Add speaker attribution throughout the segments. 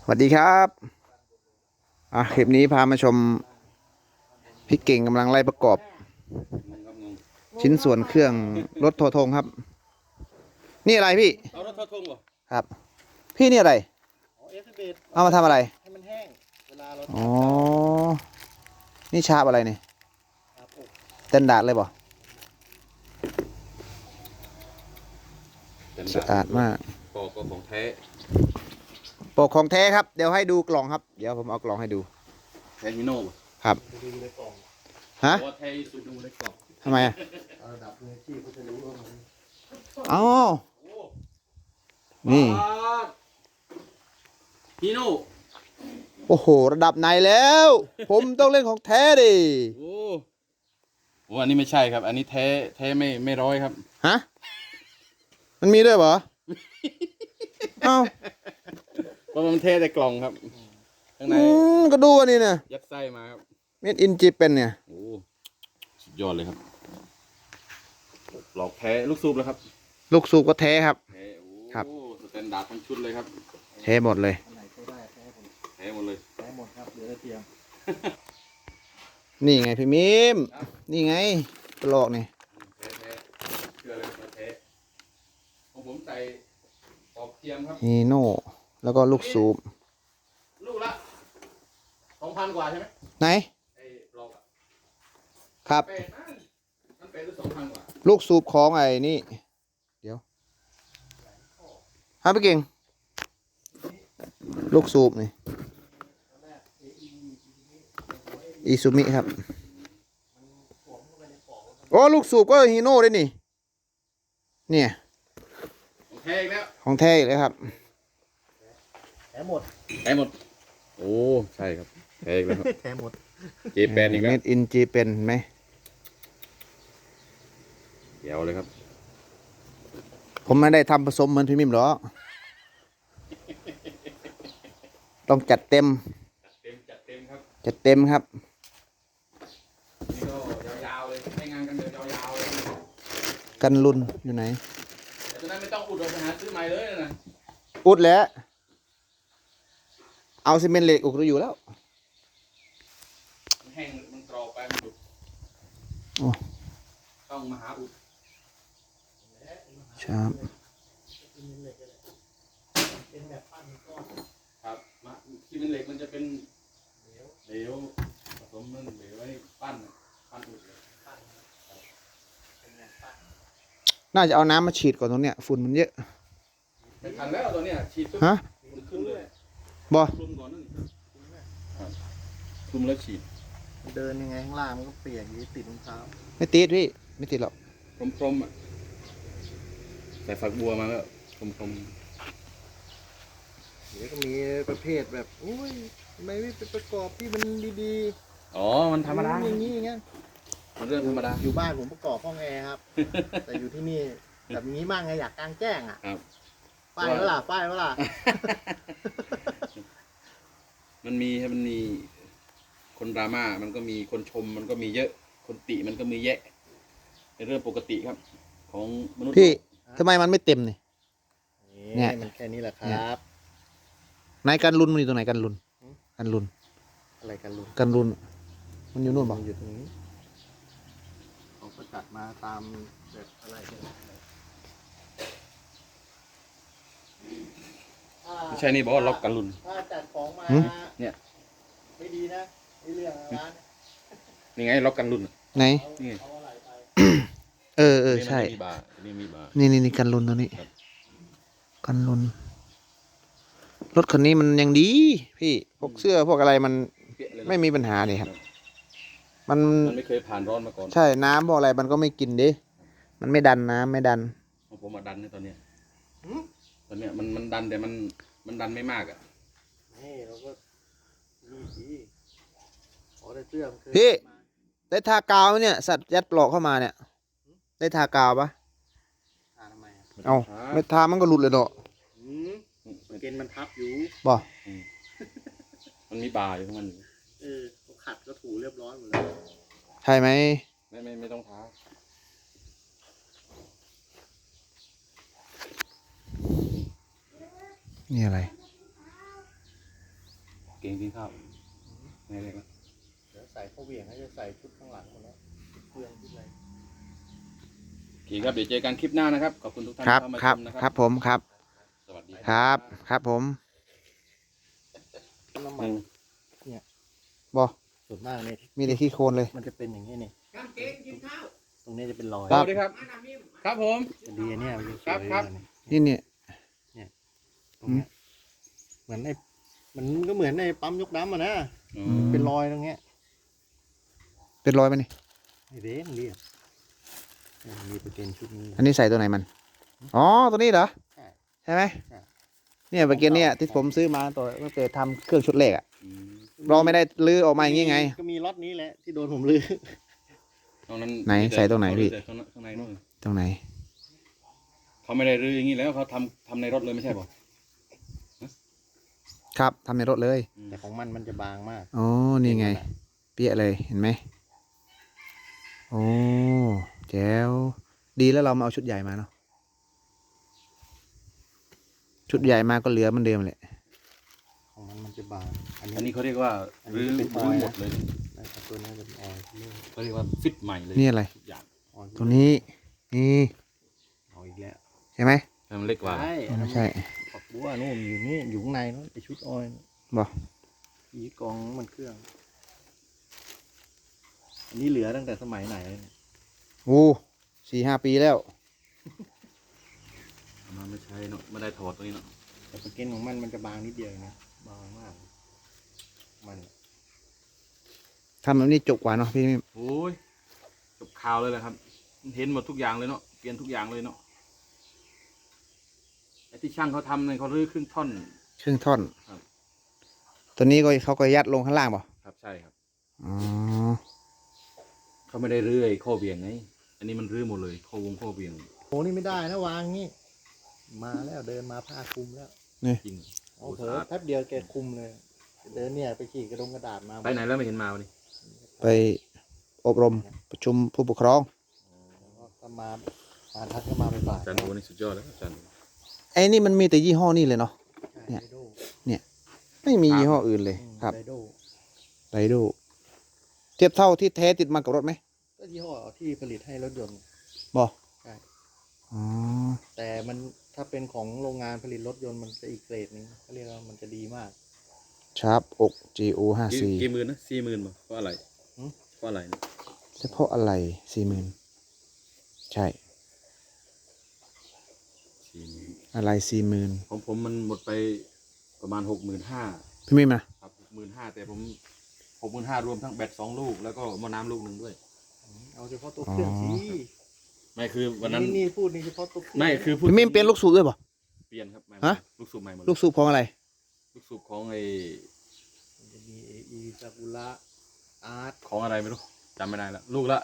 Speaker 1: วัสดีครับคลิปนี้พามาชมพี่เก่งกำลังไล่ประกอบชิ้นส่วนเครื่องรถโททงครับนี่อะไรพี่
Speaker 2: เอารถทอดทงเหรอ
Speaker 1: ครับพี่นี่อะไรเอามาทำอะไร
Speaker 3: ให้มันแห้งเวลาเรา
Speaker 1: อ๋อนี่ชาบอะไรเนี่ยเต็นดาดเลยบ่สะอาดมาก
Speaker 2: ปอกก็ของแท้
Speaker 1: ปกของแท้ครับเดี๋ยวให้ดูกล่องครับเดี๋ยวผมเอากล่องให้ดู
Speaker 2: แท้ฮิโน่
Speaker 1: ครับฮะ
Speaker 2: แท้สุดดูในกล่อง
Speaker 1: ทำไมอ่ะ
Speaker 3: ระดับมือที่เขาจะรู้ว่ามัน
Speaker 1: อ๋อนี่
Speaker 2: ฮิโน่
Speaker 1: โอ้โหระดับไหนแล้วผมต้องเล่นของแท้ดิ
Speaker 2: โอ้อันนี้ไม่ใช่ครับอันนี้แท้ไม่ร้อยครับ
Speaker 1: ฮะมันมีด้วยเหรอเอ้า
Speaker 2: เพราะมันแท้แต่กล่องครับข้างใน
Speaker 1: ก็ดูอันนี้เนี่ย
Speaker 2: ยัดไส้มาครับ
Speaker 1: เม็ดอินจีเป็นเนี่ย
Speaker 2: โอ้สุดยอดเลยครับหลอกแท้ลูกสูบแล้วครับ
Speaker 1: ลูกสูบก็แท้ครับ
Speaker 2: ครับสแตนดาร์ดทั้งชุดเลยครับ
Speaker 1: แท้หมดเลย
Speaker 2: แท้หมดเลย
Speaker 3: แท้หมดครับเหลือแต่เทียม
Speaker 1: นี่ไงพี่มิมนี่ไงกระโหลกนี่
Speaker 2: แท้เชื่อเลยแท้ของผมใส่ปอกเทียมครับ
Speaker 1: ฮีโน่แล้วก็ลูกสูบ
Speaker 2: ลูกละ2,000 กว่าใช่ไหม
Speaker 1: ไหน
Speaker 2: ไอ้ปลอก
Speaker 1: ครับ
Speaker 2: มันเป็น2,000 กว่า
Speaker 1: ลูกสูบของไอ้นี่เดี๋ยวฮะพี่เก่งลูกสูบนี่อิซูมิครับโอ้ลูกสูบก็ฮีโน่ด้วยนี่เนี่ย
Speaker 2: ของแท้อีกแล้ว
Speaker 1: ของแท้อีกเลยครับ
Speaker 3: แท้หมด
Speaker 2: โอ้ใช่ครับแท้อีกแล้วครับ
Speaker 3: แท้หมด
Speaker 2: เจแปนอีกแล้ว
Speaker 1: เม็ดอินจีเป็นไหม
Speaker 2: เดี๋ยวเลยครับ
Speaker 1: ผมไม่ได้ทำผสมเหมือนพี่มิมหรอกต้องจัดเต็ม
Speaker 2: ครับ
Speaker 1: จัดเต็มครับ
Speaker 2: นี่ก็ยาวๆเลยให้งานกันเดินยาวๆเลย
Speaker 1: กันลุนอยู่ไหน
Speaker 2: แต่ตอนนั้นไม่ต้องอุดเราไปหาซื้อใหม่เลยนะ
Speaker 1: อุดแล้วเอาซีเมนต์เหล็กอุดอยู่แล้ว
Speaker 2: มันแห้งมันกรอบไปมันดุต้องมาหาอุด
Speaker 1: ครับ
Speaker 3: เป็นแบบปั้นก้อน
Speaker 2: ครับที่เป็นเหล็กมันจะเป็นเหลวผสมมันเหลวไว้ปั้นอุดเลย
Speaker 1: น่าจะเอาน้ำมาฉีดก่อนตรงเนี้ยฝุ่นมันเยอะ
Speaker 2: ไม่ทันแล้วตัวเนี้ยฉีดปุ๊บขึ้นเลย
Speaker 1: บอ
Speaker 2: คลุมก่อนนั่นคลุมแล้วฉีด
Speaker 3: เดินยังไงข้างล่างมันก็เปียกอยู่ติดรองเท้า
Speaker 1: ไม่ติดพี่ไม่ติดหรอก
Speaker 2: พรมๆอ่ะใส่ฝักบัวมาแล้วพรม
Speaker 3: เดี๋ยวก็มีประเภทแบบอุ้ยทำไมไม่ไปประกอบที่มันดี
Speaker 2: ๆอ๋อมันธรรมดา
Speaker 3: อย่างนี้ไง
Speaker 2: มันเรื่องธรรมดา
Speaker 3: อยู่บ้านผมประกอบห้องแอร์ครับแต่อยู่ที่นี่แบบนี้มากไงอยากกลางแจ้งอ่ะป้ายเวลา
Speaker 2: มันมีคนดราม่ามันก็มีคนชมมันก็มีเยอะคนติมันก็มีแยะเป็นเรื่องปกติครับของมนุษย์
Speaker 1: พี่ทำไมมันไม่เต็ม
Speaker 3: เนี่ยมันแค่นี้แหละครับ
Speaker 1: ไหนกันลุนมันอยู่ตรงไหนกันลุน
Speaker 3: อะไรกันลุน
Speaker 1: มันอยู่นู่นบอก
Speaker 3: อยู่ตรงนี้เขาก็จัดมาตามแบบอะไร
Speaker 2: ไม่ใช่นี่บอกว่าล็อกกันลุน
Speaker 3: ถ้าจัดของมา
Speaker 2: เนี่ย
Speaker 3: ไม่ดีนะเรื่องร้าน
Speaker 2: นี่ไงล็อกกันลุน
Speaker 1: ไหน
Speaker 2: นี่
Speaker 1: ใช่
Speaker 2: มีบาร์
Speaker 1: นี่กันลุนตัวนี้กันลุนรถคันนี้มันยังดีพี่พวกเสื้อพวกอะไรมันไม่มีปัญหาเลยครับมัน
Speaker 2: ไม่เคยผ่านร้อนมาก่อน
Speaker 1: ใช่น้ำพวกอะไรมันก็ไม่กินดิมันไม่ดันน้ำไม่ดัน
Speaker 2: ผมมาดันในตอนเนี้ยมันดันแต่มันดันไม่มากอ่ะ
Speaker 3: นี่เราก็นี่สิขอได้เสื้อมันเคย
Speaker 1: พี่ได้ทากาวไหมเนี่ยสัตว์ยัดปลอกเข้ามาเนี่ยได้ทากาวปะ
Speaker 3: ทาทำไม
Speaker 1: เอาไม่ทามันก็หลุดเลยเนาะ
Speaker 3: เกณฑ์มันทับอยู่
Speaker 1: บ่
Speaker 2: มันมีบาร์อยู่ของมัน
Speaker 3: เขาขัดก็ถูเรียบร้อยหมดแล้ว
Speaker 1: ใช่ไหม
Speaker 2: ไม่ต้องทา
Speaker 1: นี่อะไร
Speaker 2: เก่งกินข้าวไงเลยครับ
Speaker 3: เดี๋ยวใส่ข้าวเหวี่ยงให้จะใส่ชุดข้างหลังหมดแล้วเครื่องชุดอะไร
Speaker 2: โอเคครับเดี๋ยวเจอกันคลิปหน้านะครับขอบคุณทุกท่าน
Speaker 1: ครับ
Speaker 2: ที่เข้ามา
Speaker 1: ค
Speaker 2: ช
Speaker 1: รับ
Speaker 2: มนะ
Speaker 1: ค
Speaker 2: ค
Speaker 1: รั
Speaker 2: รั
Speaker 1: บบ ผมครับ
Speaker 2: สวัสดี
Speaker 1: ครับครับผม
Speaker 3: น้ำมัน
Speaker 1: บอ
Speaker 3: ส่วนมากเนี่ย
Speaker 1: มีแต่ขี้โคลนเลย
Speaker 3: มันจะเป็นอย่างนี้นี่ตรงนี้จะเป็นรอย
Speaker 2: สวัสดีครับ ครับผม
Speaker 3: จะดีเนี่ยมันจะสวย
Speaker 2: ครับ
Speaker 3: เลย
Speaker 1: นี่เนี่ย
Speaker 3: ตรงเนี้ยเหมือนมันก็เหมือนในปั๊มยกน้ำอ่ะนะ
Speaker 2: อื
Speaker 1: ม
Speaker 2: ม
Speaker 3: เป็นรอยตรงเนี้ย
Speaker 1: เป็นรอยไหมนี่
Speaker 3: ไอ้เด้งเรียบมีประเกนชุดนี้
Speaker 1: อันนี้ใส่ตัวไหนมัน อ๋อ ตัวนี้เหรอ
Speaker 3: ใช่
Speaker 1: ใช่ไหม
Speaker 3: ใช่
Speaker 1: เนี่ยเมื่อกี้เนี่ยที่ผมซื้อมาตัวตั้งแต่ทำเครื่องชุดแรกอะ
Speaker 2: อืม
Speaker 1: เราไม่ได้ลื้อออกมาอย่างงี้ไง
Speaker 3: ก็มีล็อตนี้แหละที่โดนผมลือ
Speaker 2: ตรงนั้น
Speaker 1: ไหนใส่ตรงไหนพี่
Speaker 2: ข้างในนู่น
Speaker 1: ตรงไหน
Speaker 2: เขาไม่ได้รื้ออย่างนี้แล้วเขาทำในรถเลยไม่ใช่ป่ะ
Speaker 1: ครับทำในรถเลย
Speaker 3: แต่ของมันจะบางมาก
Speaker 1: อ๋อ นี่ไง เปี้ยเลย เห็นไหม โอ้แจ๋ว ดีแล้วเรามาเอาชุดใหญ่มาเนาะ ชุดใหญ่มาก็เหลือเหมันเดิมแหละ
Speaker 3: ของมันจะบาง
Speaker 2: อันนี้เขาเรียกว่า
Speaker 3: อันนี้
Speaker 2: รื้อ
Speaker 3: เป็นอ
Speaker 2: รื้
Speaker 3: อ
Speaker 2: อย
Speaker 3: ล์
Speaker 2: หม
Speaker 3: นะ
Speaker 2: ดเลย
Speaker 3: นะครับตัวนี้จะเป็นออยล์เรื่อง
Speaker 2: เขาเรียกว่าฟิตใหม่เลย
Speaker 1: นี่อะไร
Speaker 2: ทุกอย่าง
Speaker 3: ออยล์
Speaker 1: ตัวนี้ นี่
Speaker 3: เอาอีกแล้ว
Speaker 1: ใช่ไหม
Speaker 2: ให้มันเล็กกว่า
Speaker 3: ใช่
Speaker 1: อ๋อใช่
Speaker 3: ฝักบัวนู่นอยู่นี่อยู่ข้างในนู่นไอชุดออยล์
Speaker 1: บอก
Speaker 3: อีกองมันเครื่อง อันนี้เหลือตั้งแต่สมัยไหนเนี่ย
Speaker 1: โอ้4-5 ปีแล้ว
Speaker 2: เอามาไม่ใช่เนาะไม่ได้ถอดตัวนี้เนาะ
Speaker 3: แต่สเก็นของมันจะบางนิดเดียวเองนะบางมาก มัน
Speaker 1: ทำแบบนี้จบกว่าเนาะพี่มิม
Speaker 2: โอ้ยจบข่าวเลยแหละครับ เห็นหมดทุกอย่างเลยเนาะเปลี่ยนทุกอย่างเลยเนาะไอ้ที่ช่างเขาทำเนี่ยเขารื้อครึ่งท่อน
Speaker 1: ครึ่งท่อน
Speaker 2: ครับ
Speaker 1: ตัวนี้ก็เขาก็ยัดลงข้างล่างเปล่า
Speaker 2: ครับใช่ครับ
Speaker 1: อ๋อ
Speaker 2: เขาไม่ได้รื้อไอ้ข้อเบี่ยงไงอันนี้มันรื้อหมดเลยข้อเบี่ยง
Speaker 3: โอ้นี่ไม่ได้นะวางงี้ มาแล้วเดินมาผ้าคลุมแล้ว
Speaker 2: จริง
Speaker 3: เอาเผลอแป๊บเดียวแกคลุมเลย เดินเนี่ยไปขี่กระดงกระดาษมา
Speaker 2: ไปไหนแล้วไม่เห็นมาวันนี้
Speaker 1: ไปอบรมประชุมผู้ปกครอง
Speaker 3: แล้วก็ถ้ามาทักก็มาบ่าย
Speaker 2: อาจารย์โอนี่สุดยอดแล้วอาจารย์
Speaker 1: ไอ้นี่มันมีแต่ยี่ห้อนี่เลยเนาะ
Speaker 3: ๆ
Speaker 1: เนี่ย
Speaker 3: ไดโด
Speaker 1: ไม่มียี่ห้ออื่นเลยครับ
Speaker 3: ไดโด
Speaker 1: ไรดูเทียบเท่าที่แท้ติดมากับรถไหม
Speaker 3: ก็ยี่ห้อที่ผลิตให้รถยนต์
Speaker 1: บอ
Speaker 3: ใช่
Speaker 1: อ๋อ
Speaker 3: แต่มันถ้าเป็นของโรงงานผลิตรถยนต์มันจะอีกเกรดนึงเขาเรียกว่ามันจะดีมาก
Speaker 1: ชาร์ปอก GO 54
Speaker 2: กี่หมื่นนะ40,000ป่ะเพราะอะไร
Speaker 3: หืม
Speaker 2: เพราะอะไรนะ
Speaker 1: เฉพาะอะไร40,000ใช่
Speaker 2: 40,000
Speaker 1: อะไร40,000
Speaker 2: ของผมมันหมดไปประมาณ65,000
Speaker 1: พี่มิมนะครับ
Speaker 2: 65,000แต่ผม65,000รวมทั้งแบต2 ลูกแล้วก็หม้อน้ำลูกหนึ่งด้วย
Speaker 3: เอาเฉพาะตัวเครื่องสิ
Speaker 2: ไม่คือวันนั้น
Speaker 3: นี่พูดนี่เฉพาะตัวเครื่อง
Speaker 2: ไม่คือพูด
Speaker 1: พี่มิมเปลี่ยนลูกสูบด้วยป่ะ
Speaker 2: เปลี่ยนครับใหม่
Speaker 1: ฮะ
Speaker 2: ลูกสูบใหม่หมด
Speaker 1: ลูกสูบของอะไร
Speaker 2: ลูกสูบของไอ
Speaker 3: มันจะมีเอซากุระอาร์ต
Speaker 2: ของอะไรไม่รู้จำไม่ได้แล้วลูกละ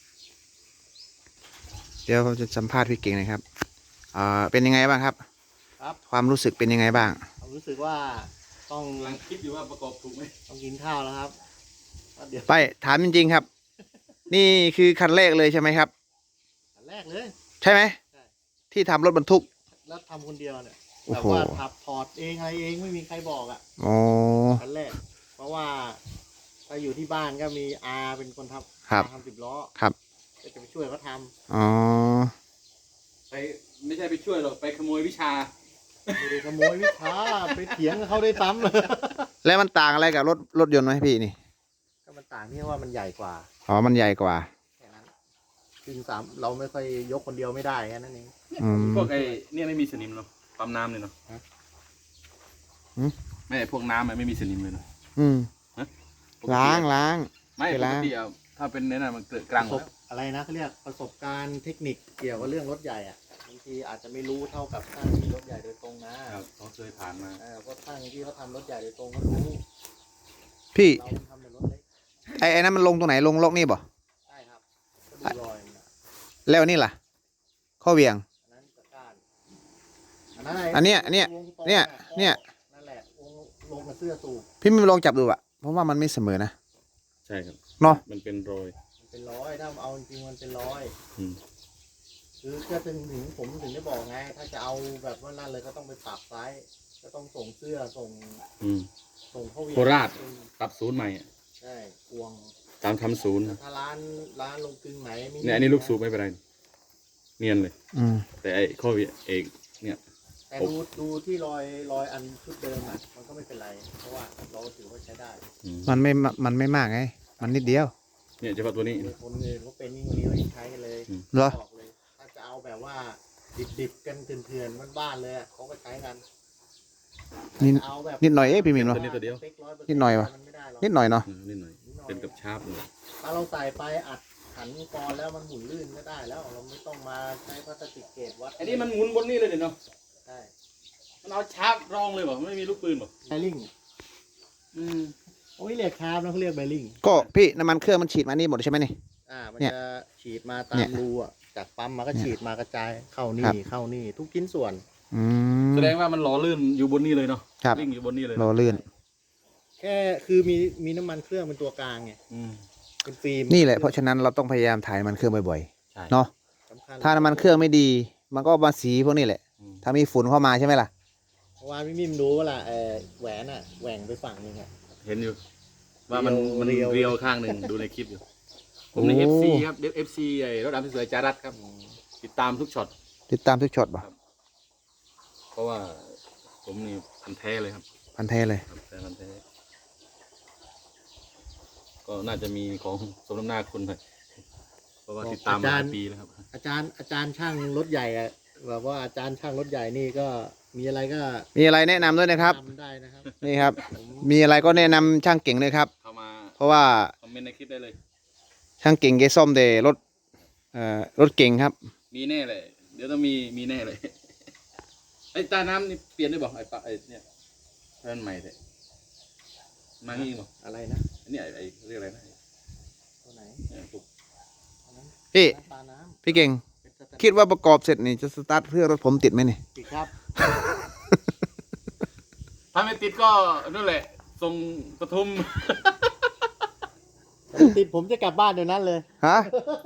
Speaker 1: เดี๋ยวผมจะสัมภาษณ์พี่เก่งหนะครับเป็นยังไงบ้างครับ
Speaker 3: ครับ
Speaker 1: ความรู้สึกเป็นยังไงบ้าง
Speaker 3: ผมรู้สึกว่าต้อง
Speaker 2: กำลังคิดอยู่ว่าประกอบถูกไหม
Speaker 3: ต้องกินข้าวแล้วครับเดี๋ยว
Speaker 1: ไปถามจริงๆครับ นี่คือคันแรกเลยใช่ไหมครับ
Speaker 3: อันแรกเลย
Speaker 1: ใช่ไหม
Speaker 3: ใช่
Speaker 1: ที่ทำรถบรรทุก
Speaker 3: แล้วทำคนเดียวเนี่ย
Speaker 1: โอ้
Speaker 3: แบบ
Speaker 1: โห
Speaker 3: ว่าขับถอดเองอะไรเองไม่มีใครบอกอ่ะ
Speaker 1: อ๋อ
Speaker 3: อันแรก เพราะว่าถ้าอยู่ที่บ้านก็มีอาเป็นคนทำ
Speaker 1: ครับ
Speaker 3: ทำ10 ล้อ
Speaker 1: ครับ
Speaker 3: ก็จะไปช่วยเขาท
Speaker 1: อ๋อ
Speaker 2: ไปไม่ใช่ไปช่วยหรอกไปขโมยวิชา
Speaker 3: ำไม่ได้ขโมยวิชาไปเถียงกับเขาได้ซ้ำ
Speaker 1: แล้วมันต่างอะไรกับรถยนต์ไหมพี่นี่
Speaker 3: ก็มันต่างที่ว่ามันใหญ่กว่า
Speaker 1: อ๋อ มันใหญ่กว่า
Speaker 3: แค่นั้นซึ่งเราไม่ค่อยยกคนเดียวไม่ได้แค่นั้นเอง
Speaker 1: อืม
Speaker 2: พวกไอ้เนี่ยไม่มีสนิมเนาะปั๊มน้ำเนี่ยเนาะ
Speaker 3: ฮะ
Speaker 1: หืม
Speaker 2: ไม่พวกน้ำมันไม่มีสนิมเลยเนาะ
Speaker 1: อืม
Speaker 2: ปกติ
Speaker 1: ล้าง
Speaker 2: ไม่
Speaker 1: ไป
Speaker 2: ป
Speaker 1: ล้าก ง
Speaker 2: ติอะถ้าเป็นเนี่ยนะมันเกิดก
Speaker 3: ป
Speaker 2: ลาง
Speaker 3: ระ
Speaker 2: ห
Speaker 3: ส
Speaker 2: ม
Speaker 3: บ
Speaker 2: ดแล้ว
Speaker 3: อะไรนะเขาเรียกประสบการณ์เทคนิคเกี่ยวกับเรื่องรถใหญ่อ่ะบางทีอาจจะไม่รู้เท่ากับช่างที่รถใหญ่โดยตรงนะครับ
Speaker 2: เขาเคยผ่านมา
Speaker 3: เพราะช่างที่เขาทำรถใหญ่โดยตรงเขารู้
Speaker 1: พี่
Speaker 3: เราทำแต่รถเล็ก
Speaker 1: ไอ้นั้นมันลงตรงไหนลงล็อกนี่บ่
Speaker 3: ใช่ครับก็ดูรอยมันอะ
Speaker 1: แล้วนี่ล่ะ ข้อเหวียง
Speaker 3: อันนั้นตะกร้ารอันนั้นอะไร
Speaker 1: อันเนี้ยเนี่ย
Speaker 3: วงตรง
Speaker 1: เนี่ย
Speaker 3: ข้อ
Speaker 1: เนี่ย
Speaker 3: นั่นแหละวงลงกับเสื้อสูบ
Speaker 1: พี่ไม่ลองจับดูอะเพราะว่ามันไม่เสมอนะ
Speaker 2: ใช่ครับ
Speaker 1: เนาะ
Speaker 2: มันเป็นรอย
Speaker 3: มันเป็นร้อยถ้าเอาจริงๆมันเป็นร้อย
Speaker 2: อืม
Speaker 3: คือก็ถึงผมถึงได้บอกไง ถ้าจะเอาแบบว่านั่นเลยก็ต้องไปปรับไซส์ก็ต้องส่งเสื้อส่ง
Speaker 2: อืม
Speaker 3: ส่งเข้าเวียน
Speaker 2: โคราช ปรับศูนย์ใหม่อะ
Speaker 3: ใช่กวง
Speaker 2: ตามทำศูนย์
Speaker 3: แต่ถ้าร้านลงกลึงไหนไม่มี
Speaker 2: เนี่ยอันนี้ลูกสูบไม่เป็นไรเนียนเลย
Speaker 1: อืม
Speaker 2: แต่ไอ้ข้อเอกเนี่ย
Speaker 3: แต่ดูที่รอยอันชุดเดิมอ่ะมันก็ไม่เป็นไร เพราะว่าเราถือว่าใช้ได้
Speaker 2: อืม
Speaker 1: มันไม่มากไง มันนิดเดียว
Speaker 2: เนี่ยเฉพาะตัวนี้
Speaker 3: มีคนอื่นเขาเป็นยิ่งกว่านี้เรายังใช้กันเลย
Speaker 1: เหรอ
Speaker 3: บอกเลยถ้าจะเอาแบบว่าดิบๆกันเถื่อนๆบ้านๆเลยอะเขาก็ใช้กัน
Speaker 1: นิด
Speaker 3: เอาแบบ
Speaker 1: นิดหน่อยเอ๊ะพี่หมินวะ
Speaker 2: ตัวนี้ตัวเดียว
Speaker 1: นิดหน่อยวะ
Speaker 3: มันไม่ได้หรอก
Speaker 1: นิดหน่อยเนาะ
Speaker 2: นิดหน่อยเป็นกับชาร์ปเลย
Speaker 3: ถ้าเราใส่ไปอัดขันกรแล้วมันหมุนลื่นก็ได้แล้วเราไม่ต้องมาใช้พลาสติกเกตวัด
Speaker 2: อันนี้มันหมุนบนนี่เลยเดี๋ยวเนาะ
Speaker 3: ใช่
Speaker 2: มันเอาชาร์ปรองเลยบ่ไม่มีลูกปืนบ่
Speaker 3: ไบลิง
Speaker 2: อืม
Speaker 3: เขาไม่เรียกคาร์บนะเขาเรียกไบลิง
Speaker 1: ก็พี่น้ำมันเครื่องมันฉีดมานี่หมดใช่ไหมนี่
Speaker 3: มัน
Speaker 1: เนี่ย
Speaker 3: จะฉีดมาตา
Speaker 1: เนี่
Speaker 3: ม
Speaker 1: ย
Speaker 3: รูอ่ะจากปั๊มมาก็ฉีดมากระจายเข้า
Speaker 1: ครั
Speaker 3: นี่
Speaker 1: บ
Speaker 3: เข้านี่ทุกชิ้นส่วน
Speaker 1: อืม
Speaker 2: แสดงว่ามันหล่อลื่นอยู่บนนี่เลยเนาะ
Speaker 1: ครับ
Speaker 2: วิ่งอยู่บนนี่เลย
Speaker 1: รอเลื่อน
Speaker 3: แค่คือมีน้ำมันเครื่องเป็นตัวกลางไง
Speaker 2: อืม
Speaker 3: เป็นฟิล์ม
Speaker 1: นี่แหละเพราะฉะนั้นเราต้องพยายามถ่ายน้ำมันเครื่องบ่อย
Speaker 2: ใช่
Speaker 1: ๆเนาะ
Speaker 3: สำคัญ
Speaker 1: ถ้าน้ำมันเครื่องไม่ดี มันก็มาสีพวกนี้แหละ
Speaker 2: อืม
Speaker 1: ถ้ามีฝุ่นเข้ามาใช่ไหมล่ะ
Speaker 3: เพราะว่าพี่มิมรู้ว่าล่ะแหวนอ่ะแหว่งไปฝั่งหนึงอ่ะ
Speaker 2: เห็นอยู่ ว่ามัน
Speaker 3: เรียว
Speaker 2: เรียวข้างหนึ่งดูในคลิปอยู่ ผมใน
Speaker 1: โอ้
Speaker 2: FC ครับFC ไอ้รถดำสวยๆจารัดครับ ติดตามทุกช็อต
Speaker 1: ติดตามทุกช็อตป่ะ
Speaker 2: เพราะว่าผมนี่พันแท้เลยครับ
Speaker 1: พันแท้เลย
Speaker 2: ครับแต่พันแท้ก็น่าจะมีของสมน้ำหน้าคุณหน่อยเพราะว่าติดตามมาหลายปีแล้วครับ
Speaker 3: อาจารย์ช่างรถใหญ่อ่ะแบบว่าอาจารย์ช่างรถใหญ่นี่ก็มีอะไรก็
Speaker 1: มีอะไรแนะนำด้วยนะครับ
Speaker 3: ทำได้นะครับ
Speaker 1: นี่ครับ
Speaker 3: ผม
Speaker 1: มีอะไรก็แนะนำช่างเก่งเลยครับ
Speaker 2: เข้ามา
Speaker 1: เพราะว่า
Speaker 2: คอมเมนต์ในคลิปได้เลย
Speaker 1: ช่างเก่งแกซ่อมแต่รถเก่งครับ
Speaker 2: มีแน่เลย เดี๋ยวต้องมีแน่เลย ไอ้ตาน้ำนี่เปลี่ยนได้บอกไอ้ปะไอ้เนี่ยเพื่อนใหม่เลยมางี้บอก
Speaker 3: อะไรนะ
Speaker 2: อันนี้ไอ้เรียกอะไรนะ
Speaker 3: ตัวไหน
Speaker 2: เนี่ยปลุก
Speaker 3: อันนั้น
Speaker 1: พี่
Speaker 3: น้ำปลาน้
Speaker 1: พี่เก่ง
Speaker 3: ำเป็นสแตน
Speaker 1: คิดว่าประกอบเสร็จนี่จะสตาร์ทเครื่องรถผมติดไหมนี่
Speaker 3: ติดครับ
Speaker 2: ถ้าไม่ติดก็นั่นแหละส่งปทุม
Speaker 3: ติดผมจะกลับบ้านเดี๋ยวนั้นเลย
Speaker 1: ฮะ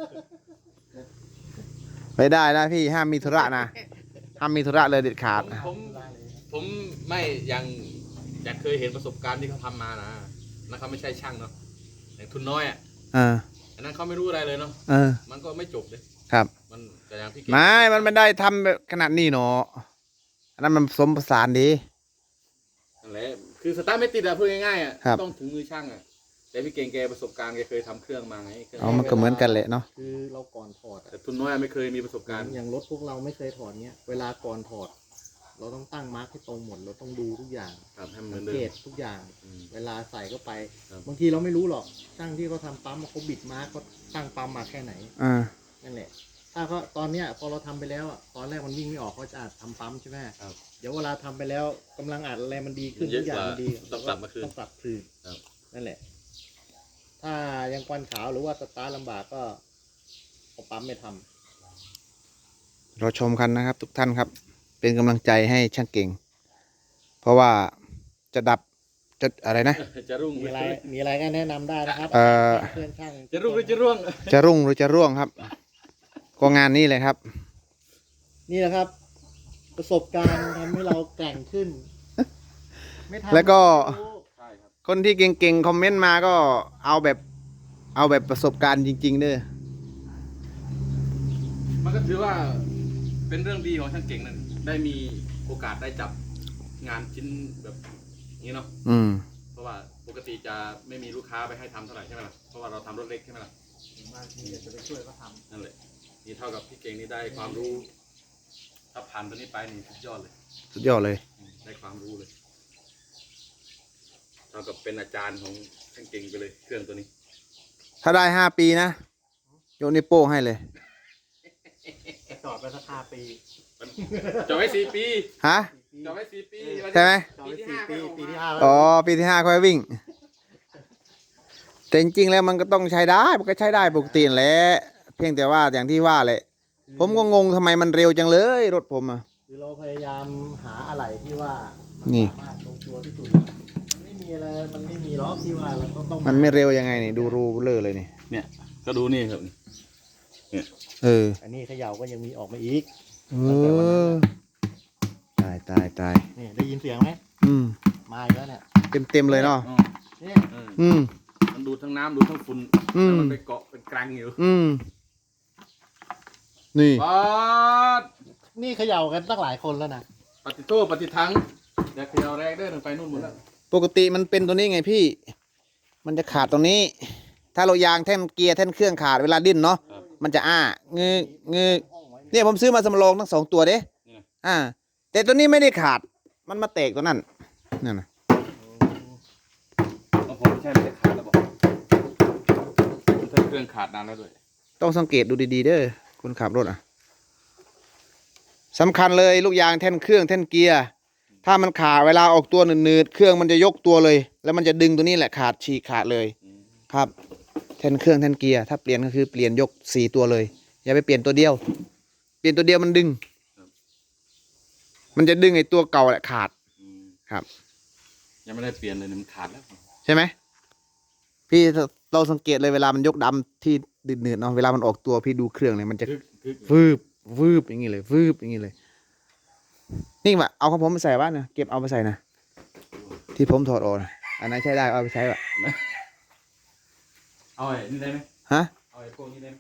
Speaker 1: ไม่ได้นะพี่ห้ามมีธุระนะ ห้ามมีธุระเลยเด็ดขาด
Speaker 2: ผมไม่ยังอยากเคยเห็นประสบการณ์ที่เขาทำมานะนั่นเขาไม่ใช่ช่างเนาะอย่างทุนน้อยอ่ะ
Speaker 1: เออ
Speaker 2: อันนั้นเขาไม่รู้อะไรเลยเนาะ
Speaker 1: เออ
Speaker 2: มันก็ไม่จบเลย
Speaker 1: ครับ
Speaker 2: มันแต่อย่างพี่เก่ง
Speaker 1: ไม่ มันไม่ได้ทำแบบขนาดนี้เนาะอันนั้นมันผสมผสานดี
Speaker 2: นั่นแหละคือสตาร์ทไม่ติดอะพูดง่ายๆอะ
Speaker 1: ครับ
Speaker 2: ต้องถึงมือช่างอะแต่พี่เก่งแกประสบการณ์แกเคยทำเครื่องมาไงเครื่อง
Speaker 1: เอามันก็เหมือนกันแหละเนาะ
Speaker 3: คือเราก่อนถอด
Speaker 2: แต่ทุนน้อยอะไม่เคยมีประสบการณ์
Speaker 3: อย่างรถพวกเราไม่เคยถอดเนี้ย เวลาก่อนถอด เราต้องตั้งมาร์คให้ตรงหมด เราต้องดูทุกอย่าง
Speaker 2: ครับให้มันเหมื
Speaker 3: สั
Speaker 2: อง นเดิ
Speaker 3: เก
Speaker 2: ม
Speaker 3: ตทุกอย่าง
Speaker 2: อืม
Speaker 3: เวลาใส่เข้าไป
Speaker 2: ครับ
Speaker 3: บางทีเราไม่รู้หรอกช่างที่เขาทำปั๊มเขาบิดมาร์คเขาตั้งปั๊มมาแค่ไหน
Speaker 1: อ่า
Speaker 3: นั่นแหละ ถ้าเขาตอนเนี้ยพอเราทำไปแล้วอะตอนแรกมันวิ่งไม่ออกเขาจะอัดทำปั๊มใช่ไหม
Speaker 2: ครับ
Speaker 3: เดี๋ยวเวลาทำไปแล้วกำลังอัดอะไรมันดีขึ้น
Speaker 2: เย
Speaker 3: ทุ
Speaker 2: อะ
Speaker 3: กอย่าง
Speaker 2: กว่า
Speaker 3: มันดี
Speaker 2: ต้องกลับมาคืน
Speaker 3: ต้องปรับคืน
Speaker 2: ครับ
Speaker 3: นั่นแหละ ถ้ายังควันขาวหรือว่าสตาร์ทลำบากก็เอาปั๊มไม่ทำ
Speaker 1: เราชมกันนะครับ ทุกท่านครับ เป็นกำลังใจให้ช่างเก่ง เพราะว่าจะดับจะอะไรนะ
Speaker 2: จะรุ่ง
Speaker 3: มีอะไรก็แนะนำได้นะครับ
Speaker 1: เอ่อ
Speaker 3: เพื่อนช่าง
Speaker 2: จะรุ่งหรือจะร่วง
Speaker 1: จะรุ่งหรือจะร่วงครับ ก็งานนี้เลยครับ
Speaker 3: นี่แหละครับ ประสบการณ์ทำให้เราแกร่งขึ้น ไม่ทำ
Speaker 1: แล้วก็
Speaker 3: ไม่รู้
Speaker 2: ใช่ครับ
Speaker 1: คนที่เก่งๆคอมเมนต์มาก็เอาแบบประสบการณ์จริง ๆเด้อ
Speaker 2: มันก็ถือว่าเป็นเรื่องดีของช่างเก่งนั่นได้มีโอกาสได้จับงานชิ้นแบบนี้เนาะ
Speaker 1: อืม
Speaker 2: เพราะว่าปกติจะไม่มีลูกค้าไปให้ทำเท่าไหร่ใช่ไหมล่ะ เพราะว่าเราทำรถเล็กใช่ไหมล่ะ
Speaker 3: บางทีอยากจะไปช่วยเขาท
Speaker 2: นั่นแหละ นี่เท่ากับพี่เก่งนี่ได้ความรู้ ถ้าผ่านตัวนี้ไปนี่สุดยอดเลย
Speaker 1: สุดยอดเลย
Speaker 2: ได้ความรู้เลย เท่ากับเป็นอาจารย์ของช่างเก่งไปเลยเครื่องตัวนี้
Speaker 1: ถ้าได้5 ปีนะโยนนิ้วโป้งให้เลย
Speaker 3: ำจอดไปสัก5 ปี
Speaker 2: จอดไว้4 ปี
Speaker 1: ฮะ
Speaker 2: จอดไว้4 ปี
Speaker 1: ใช่ไหม
Speaker 3: จอดไป4 ปีปีที่ 5
Speaker 1: อ๋อ ปีที่ 5ค่อยวิ่ง แต่จริงๆแล้วมันก็ต้องใช้ได้ มันก็ใช้ได้ปกติแหละ เพียงแต่ว่าอย่างที่ว่าแหละ ผมก็งงทำไมมันเร็วจังเลยรถผมอ่ะ
Speaker 3: คือเราพยายามหาอะไรที่ว่า
Speaker 1: นี่
Speaker 3: สามารถลงตัวที่สุดมันไม่มีอะไรมันไม่มีล็อกที่ว่าเราก็ต้อง
Speaker 1: มันไม่เร็วยังไงนี่ ดูรูเลอร์เลยนี่
Speaker 2: เนี่ย ก็ดูนี่ครับ
Speaker 1: เออ
Speaker 3: อันนี้เขย่าก็ยังมีออกมาอีก
Speaker 1: เออใช่ตาย
Speaker 3: นี่ได้ยินเสียงไหม
Speaker 1: อืม
Speaker 3: มาอีกแล้วเนี่ย
Speaker 1: เต็มเลยเนาะ
Speaker 2: อ๋อ
Speaker 3: นี่
Speaker 1: อืม
Speaker 2: มันดูดทั้งน้ำดูดทั้งฝุ่น
Speaker 1: อืม
Speaker 2: แล้วมันไปเกาะเป็นกรังอยู่
Speaker 1: อืม นี่
Speaker 2: ปาด
Speaker 3: นี่เขย่ากันตั้งหลายคนแล้วนะ
Speaker 2: ปฏิโทษปฏิทังเดี๋ยวเขยาแรกเด้อไปนู่นหมดแล้ว
Speaker 1: ปกติมันเป็นตัวนี้ไงพี่ มันจะขาดตรงนี้ ถ้าเรายางแท่นเกียร์แท่นเครื่องขาดเวลาดิ้นเนาะ
Speaker 2: ครับ
Speaker 1: มันจะงืเนี่ยผมซื้อมาสำรองทั้ง2 ตัวเด้
Speaker 2: นี่นะ
Speaker 1: แต่ตัวนี้ไม่ได้ขาด มันมาแตกตัวนั่นนั่นนะ
Speaker 2: เอาผมไม่ใช่ไม่ได้ขาดแล้วบอกมันเครื่องขาดนานแล้วด้วย
Speaker 1: ต้องสังเกตดูดีๆเด้อคนขับรถสำคัญเลยลูกยางแท่นเครื่องแท่นเกียร์ถ้ามันขาดเวลาออกตัวหนืดๆเครื่องมันจะยกตัวเลย แล้วมันจะดึงตัวนี้แหละขาดฉีกขาดเลย ครับแท่นเครื่องแท่นเกียร์ถ้าเปลี่ยนก็คือเปลี่ยนยก4 ตัวเลย อย่าไปเปลี่ยนตัวเดียว เปลี่ยนตัวเดียวมันดึง มันจะดึงไอ้ตัวเก่าแหละขาด ครับ
Speaker 2: ยังไม่ได้เปลี่ยนเลยเนี่ยมันขาดแล้ว
Speaker 1: ใช่ไหมพี่เราสังเกตเลยเวลามันยกดำที่ดืดๆเนาะเวลามันออกตัวพี่ดูเครื่องเลยมันจะ วืบอย่างนี้เลยวืบอย่างนี้เลย นี่มาเอาของผมไปใส่บ้านนะเก็บเอาไปใส่นะที่ผมถอดออกนะอันนั้นใช้ได้เอาไปใช้ปะ
Speaker 2: เอาไอ้นี่ได้ไหม
Speaker 1: ฮะ
Speaker 2: เอาไอ้พวกนี้ได้ไหม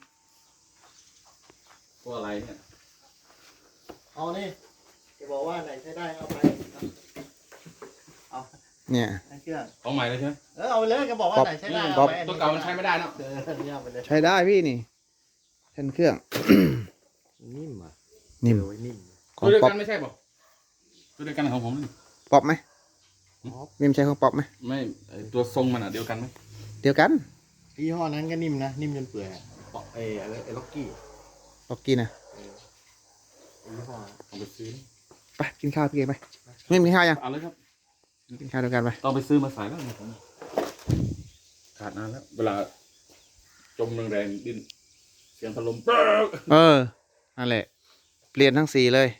Speaker 2: พวกอะไรเนี่ย
Speaker 3: เอานี่จะบอกว่าไหนใช้ได้เอาไปเอา
Speaker 1: เนี่ย
Speaker 3: ให้เครื่อง
Speaker 2: ของใหม่เลยใช่ไหม
Speaker 3: เอาไปเลยก็บอกว่าไหนใช้ได้
Speaker 1: ป๊
Speaker 3: เอา
Speaker 1: อป
Speaker 3: ไป
Speaker 2: ตัวเก่ามันใช้ไม่ได้เนาะ
Speaker 3: เนี่ยเอาไปเลย
Speaker 1: ใช้ได้พี่นี่แท่นเครื่อง
Speaker 3: นิ่มอ่ะ
Speaker 1: นิ่ม
Speaker 3: โอ้ยนิ่ม
Speaker 1: ของ
Speaker 2: ตัวเดียว
Speaker 1: ป๊อป
Speaker 2: กันไม่ใช่ป่ะตัวเดียวกันของผมนี่
Speaker 1: ป๊อปไหมนิ่มใช้ของป๊อปไหม
Speaker 2: ไม่ไอ้ตัวทรงมันอ่ะเดียวกันไหม
Speaker 1: เดียวกัน
Speaker 3: ยี่ห้อนั้นก็นิ่มนะนิ่มจนเปื่อยอะปอกไอ้ล็อกกี้
Speaker 1: ป๊อกกี้นะ
Speaker 3: ยี่ห้อ
Speaker 2: ต้องไปซื้อ
Speaker 1: ไปกินข้าวพี่เกไปไม่กินข้าวยัง
Speaker 2: เอาเลยครับ
Speaker 1: กินข้าวเดียวกันไป
Speaker 2: ต้องไปซื้อมาใส่แล้วเนี่ยผมขาดนานแล้ว เวลาจมแรงๆดิ้นเสียงพัดลมป๊ก
Speaker 1: นั่นแหละ เปลี่ยนทั้ง4เลย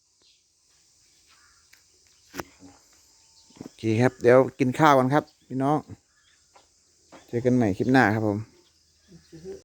Speaker 1: โอเคครับ เดี๋ยวกินข้าวกันครับ พี่น้อง เจอกันใหม่คลิปหน้าครับผม